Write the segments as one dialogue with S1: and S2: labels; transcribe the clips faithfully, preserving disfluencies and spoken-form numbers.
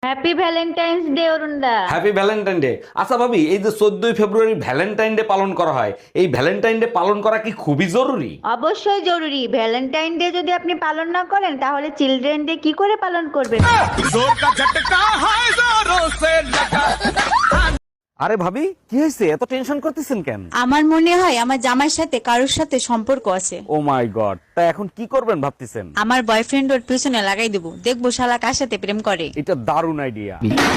S1: Happy valentine's day অরুণদা।
S2: Happy valentine day. আচ্ছা ভাবি, এই যে চোদ্দই ফেব্রুয়ারি ভ্যালেন্টাইন ডে পালন করা হয়, এই ভ্যালেন্টাইন ডে পালন করা কি খুবই জরুরি?
S1: অবশ্যই জরুরি। ভ্যালেন্টাইন ডে যদি আপনি পালন না করেন তাহলে চিলড্রেন ডে কি করে পালন করবেন?
S2: আরে ভাবি, কি হয়েছে? এত টেনশন করতেছেন কেন?
S3: আমার মনে হয় আমার জামাইয়ের সাথে কারোর সাথে সম্পর্ক আছে।
S2: ও মাই গড, তা এখন কি করবেন ভাবতেছেন?
S3: আমার বয়ফ্রেন্ড ওর পিছনে লাগাই দেবো, দেখবো শালা কার সাথে প্রেম করে।
S2: এটা দারুণ আইডিয়া।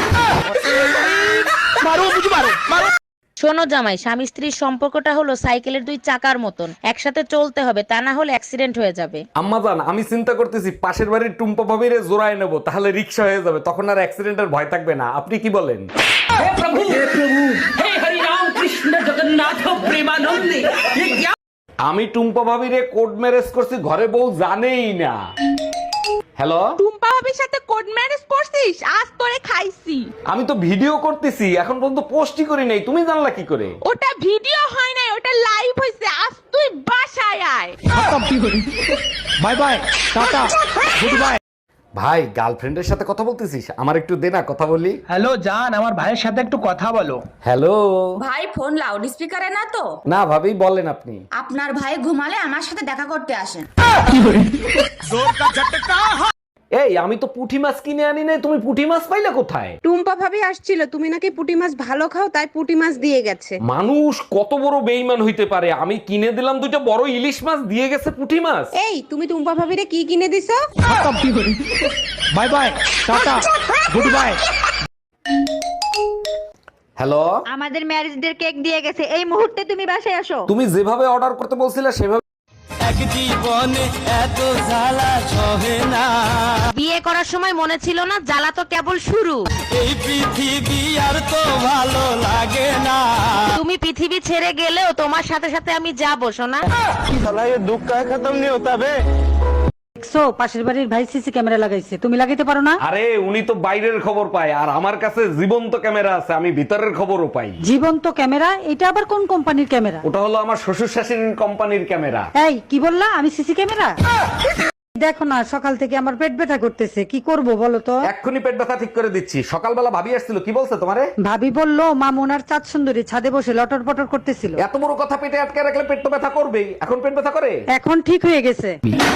S4: শোনো জামাই, স্বামী স্ত্রীর সম্পর্কটা হলো সাইকেলের দুই চাকার মতন, একসাথে চলতে হবে, তা না হলে অ্যাক্সিডেন্ট হয়ে যাবে।
S2: আম্মাজান, আমি চিন্তা করতেছি পাশের বাড়ির টুম্পা ভাবিরে জোড়ায় নেবো, তাহলে রিক্সা হয়ে যাবে, তখন আর অ্যাক্সিডেন্টের ভয় থাকবে না। আপনি কি বলেন? আমি টুম্পা ভাবিরে কোড ম্যারেজ করছি, ঘরে বউ জানেই না। হ্যালো,
S5: টুম্পা ভাবির সাথে কোড ম্যারেজ করছিস? আজ তোরে খাইছি।
S2: আমি তো ভিডিও করতেছি, এখন পর্যন্ত পোস্টই করি নাই, তুমি জানলা কি করে?
S5: ওটা ভিডিও হয় নাই, ওটা লাইভ হইছে। আজ তুই বাসায় আয়।
S2: Bye bye, tata, good bye. ভাই, গার্লফ্রেন্ডের সাথে কথা বলতেছিস? আমার একটু দে না, কথা বলি।
S6: হ্যালো জান, আমার ভাইয়ের সাথে একটু কথা বলো।
S2: হ্যালো।
S7: ভাই ফোন লাউড স্পিকারে না তো?
S2: না ভাবি, বলেন আপনি।
S7: আপনার ভাই ঘুমালে আমার সাথে দেখা করতে আসেন।
S2: এই, আমি তো পুঁটি মাছ কিনে আনি নাই, তুমি পুঁটি মাছ পাইলে কোথায়?
S8: টুম্পা ভাবি আসছিল, তুমি নাকি পুঁটি মাছ ভালো খাও, তাই পুঁটি মাছ দিয়ে গেছে।
S2: মানুষ কত বড় বেইমান হইতে পারে! আমি কিনে দিলাম দুইটা বড় ইলিশ মাছ, দিয়ে গেছে পুঁটি মাছ।
S8: এই, তুমি টুম্পা ভাবিরে কি কিনে দিছো?
S6: Bye bye, tata, good bye.
S2: Hello.
S1: আমাদের ম্যারেজ ডে কেক দিয়ে গেছে, এই মুহূর্তে তুমি বাসায় আসো।
S2: তুমি যেভাবে অর্ডার করতে বলছিলে সেভাবে।
S4: বিয়ে করার সময় মনে ছিল না জ্বালা তো কেবল শুরু। তুমি পৃথিবী ছেড়ে গেলেও তোমার সাথে সাথে আমি যাবো সোনা।
S9: দেখছো পাশের বাড়ির ভাই সিসি ক্যামেরা লাগাইছে, তুমি লাগাইতে পারো না?
S2: আরে, উনি তো বাইরের খবর পায়, আর আমার কাছে জীবন্ত ক্যামেরা আছে, আমি ভিতরের খবরও পাই।
S9: জীবন্ত ক্যামেরা? এটা আবার কোন কোম্পানির ক্যামেরা?
S2: ওটা হলো আমার শ্বশুর শাশুড়ির কোম্পানির ক্যামেরা।
S9: এই, কি বললা? আমি সিসি ক্যামেরা? দেখো না, সকাল থেকে আমার পেট ব্যথা করতেছে, কি করব বলো তো?
S2: এক্ষুনি পেট ব্যথা ঠিক করে দিচ্ছি। সকালবেলা ভাবি আসছিল, কি বলছে তোমারে?
S9: ভাবি বললো মামুন আর চাঁদ সুন্দরী ছাদে বসে লটর পটর করতেছিল।
S2: এত বড় কথা পেটে আটকে রাখলে পেট তো ব্যথা করবেই। এখন পেট ব্যথা করে?
S9: এখন ঠিক হয়ে গেছে।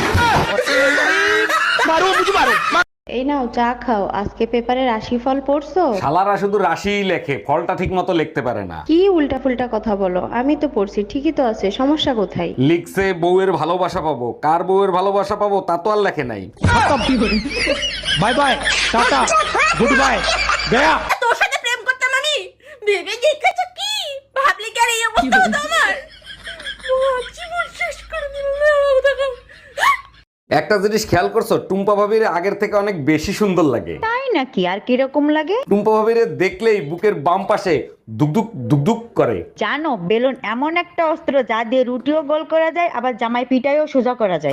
S1: এই নাও চা খাও, আজকে পেপারে রাশিফল পড়ছো?
S2: শালারা শুধু রাশিই লেখে, ফলটা ঠিক মতো লিখতে পারে না।
S1: কি উল্টা ফুলটা কথা বলো, আমি তো পড়ছি, ঠিকই তো আছে, সমস্যা কোথায়?
S2: লিখছে বউয়ের ভালোবাসা পাবো, কার বউয়ের ভালোবাসা পাবো তা তো আর লেখে নাই।
S6: Bye bye, tata, good bye, গয়া।
S7: তোর সাথে প্রেম করতাম আমি, ভেবে দেখেছো কি? ভাবলি কি আর এই অবস্থা হতো আমার? জীবন শেষ করে দিল।
S2: একটা জিনিস খেয়াল করছো, টুম্পা ভাবির আগের থেকে অনেক বেশি সুন্দর লাগে।
S1: তাই নাকি? আর কিরকম লাগে?
S2: টুম্পা ভাবিরে দেখলেই বুকের বাম পাশে দুকদুক দুকদুক করে।
S1: জানো, বেলুন এমন একটা অস্ত্র যা দিয়ে রুটিও গোল করা যায়, আবার জামাই পিটাইও সোজা করা যায়।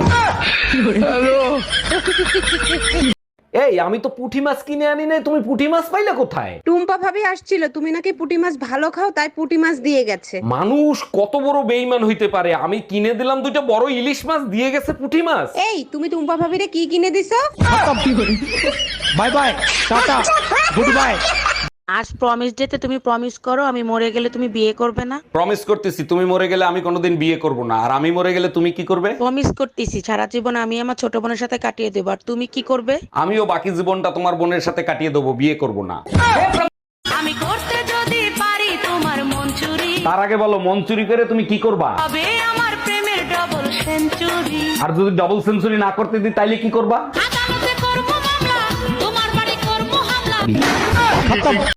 S2: এই, আমি তো পুঁটি মাছ কিনে আনি নাই, তুমি পুঁটি মাছ পাইলে কোথায়?
S8: টুম্পা ভাবি আসছিল, তুমি নাকি পুঁটি মাছ ভালো খাও, তাই পুঁটি মাছ দিয়ে গেছে।
S2: মানুষ কত বড় বেইমান হইতে পারে! আমি কিনে দিলাম দুইটা বড় ইলিশ মাছ, দিয়ে গেছে পুঁটি মাছ।
S8: এই, তুমি টুম্পা ভাবিরে কি কিনে দিছো?
S6: Bye bye, tata, good bye.
S4: আজ প্রমিস ডেতে তুমি প্রমিস করো আমি মরে গেলে তুমি বিয়ে করবে না।
S2: প্রমিস করতেছি, তুমি মরে গেলে আমি কোনোদিন বিয়ে করব না। আর আমি মরে গেলে তুমি কি করবে?
S4: প্রমিস করতেছি সারা জীবন আমি আমার ছোট বোনের সাথে কাটিয়ে দেবো, আর তুমি কি করবে?
S2: আমিও বাকি জীবনটা তোমার বোনের সাথে কাটিয়ে দেবো, বিয়ে করব না।
S7: আমি করতে যদি পারি তোমার মন চুরি,
S2: তার আগে বলো, মন চুরি করে তুমি কি করবা?
S7: তবে আমার প্রেমের ডবল সেঞ্চুরি।
S2: আর যদি ডাবল সেঞ্চুরি না করতে দিই তাইলে কি করবা?
S7: আদালতে করবো মামলা, তোমার বাড়ি করবো হামলা।